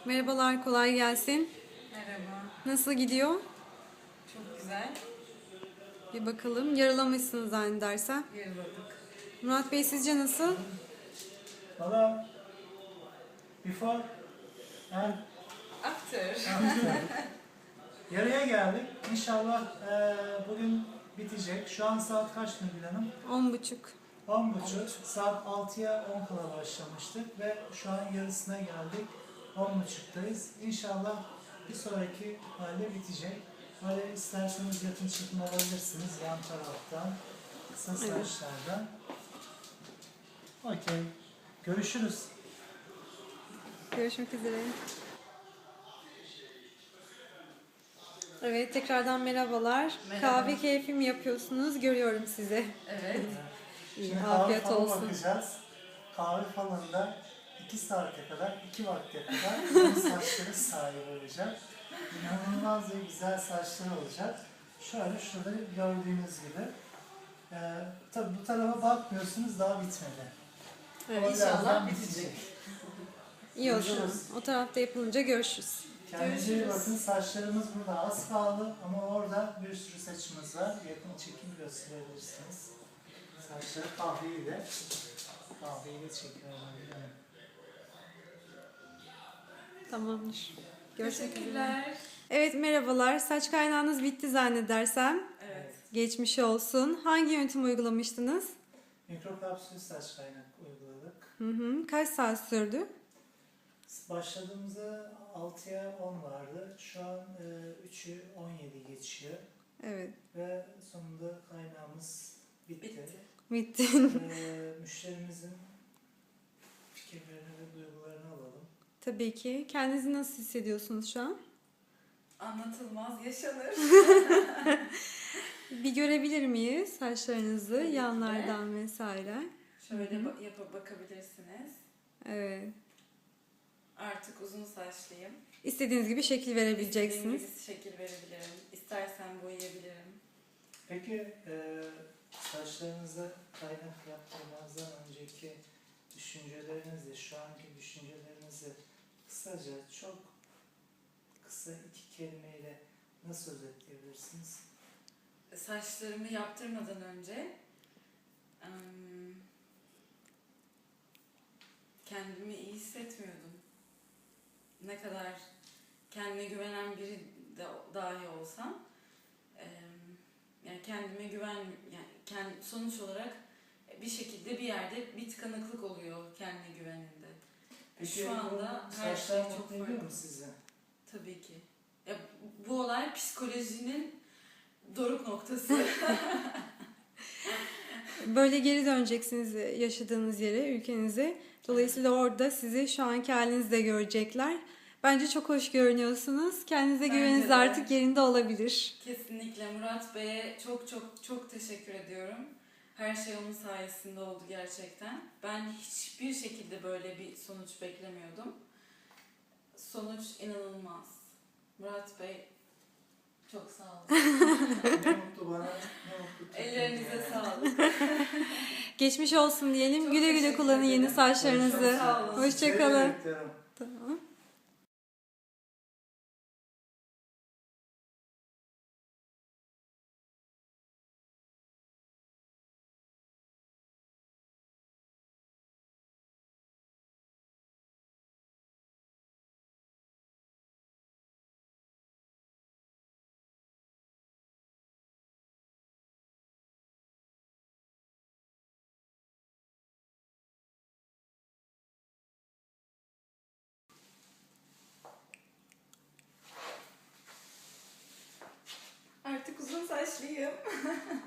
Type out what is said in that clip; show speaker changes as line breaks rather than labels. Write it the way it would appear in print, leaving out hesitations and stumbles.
Merhabalar, kolay gelsin.
Merhaba.
Nasıl gidiyor?
Çok güzel.
Bir bakalım. Yaralamışsınız zannedersem.
Yarıladık.
Murat Bey sizce nasıl?
Valla before and
After.
after. Yarıya geldik. İnşallah bugün bitecek. Şu an saat kaç Nurgül Hanım?
10.30.
10.30. Saat 6'ya 10 kala başlamıştık ve şu an yarısına geldik. 10.30'dayız. İnşallah bir sonraki halde bitecek. Böyle isterseniz yakın çekim alabilirsiniz yan taraftan, kısa
Evet.
saçlardan. Okey. Görüşürüz.
Görüşmek üzere. Evet, tekrardan merhabalar.
Merhaba.
Kahve keyfi mi yapıyorsunuz? Görüyorum sizi.
Evet.
İyi,
Şimdi
afiyet
kahve falı
olsun.
bakacağız. Kahve falında 2 saate kadar, 2 vakte kadar benim saçları sahibi olacak. İnanılmaz ve güzel saçları olacak. Şöyle şurada gördüğünüz gibi. Tabii bu tarafa bakmıyorsunuz, daha bitmedi.
Evet,
O
İnşallah
birazdan
bitecek.
iyi o zaman.
Görüşürüz.
O tarafta yapılınca görüşürüz.
Kendinize iyi
Görüşürüz.
bakın. Saçlarımız burada az kaldı ama orada bir sürü saçımız var. Yakın çekim gösterebilirsiniz. Saçları kahveyi de çekiyorum.
Tamamdır. Görüşmek üzere.
Teşekkürler.
Evet, merhabalar. Saç kaynağınız bitti zannedersem.
Evet.
Geçmiş olsun. Hangi yöntem uygulamıştınız?
Mikrokapsül saç kaynak uyguladık.
Hı hı. Kaç saat sürdü?
Başladığımızda 6'ya 10 vardı. Şu an 3'ü 17 geçiyor.
Evet.
Ve sonunda kaynağımız bitti.
Bitti.
Müşterimizin fikirlerini ve duygularını alalım.
Tabii ki. Kendinizi nasıl hissediyorsunuz şu an?
Anlatılmaz yaşanır.
Bir görebilir miyiz saçlarınızı
Tabii ki de.
yanlardan vesaire?
Şöyle
Hı hı.
bakabilirsiniz.
Evet.
Artık uzun saçlıyım.
İstediğiniz gibi şekil verebileceksiniz.
İstediğim gibi şekil verebilirim. İstersen boyayabilirim.
Peki saçlarınızda kaynak yaptırmazdan önceki düşüncelerinizle şu anki düşüncelerinizi kısaca çok kısa 2 kelimeyle nasıl özetleyebilirsiniz?
Saçlarımı yaptırmadan önce kendimi iyi hissetmiyordum. Ne kadar kendine güvenen biri de dahi olsam yani kendime sonuç olarak bir şekilde bir yerde bir tıkanıklık oluyor kendine güveninde.
Peki
Şu anda
bu
her
saçlar
şey çok
mutlu ediyor
farklı.
mu sizi?
Tabii ki. Ya, bu olay psikolojinin doruk noktası.
Böyle geri döneceksiniz yaşadığınız yere, ülkenize. Dolayısıyla orada sizi şu anki halinizde görecekler. Bence çok hoş görünüyorsunuz. Kendinize
Bence
güveniniz
de.
artık yerinde olabilir.
Kesinlikle Murat Bey'e çok çok çok teşekkür ediyorum. Her şey onun sayesinde oldu gerçekten. Ben hiçbir şekilde böyle bir sonuç beklemiyordum. Sonuç inanılmaz. Murat Bey çok sağ olun.
Ne mutlu bana, ne mutlu Türkiye'ye.
Ellerinize sağlık.
Geçmiş olsun diyelim.
Çok
Güle güle
teşekkür
kullanın yeni
ederim.
saçlarınızı.
Çok sağ olun.
Hoşçakalın.
Sizleri bekliyorum.
Tamam.
Artık uzun saçlıyım.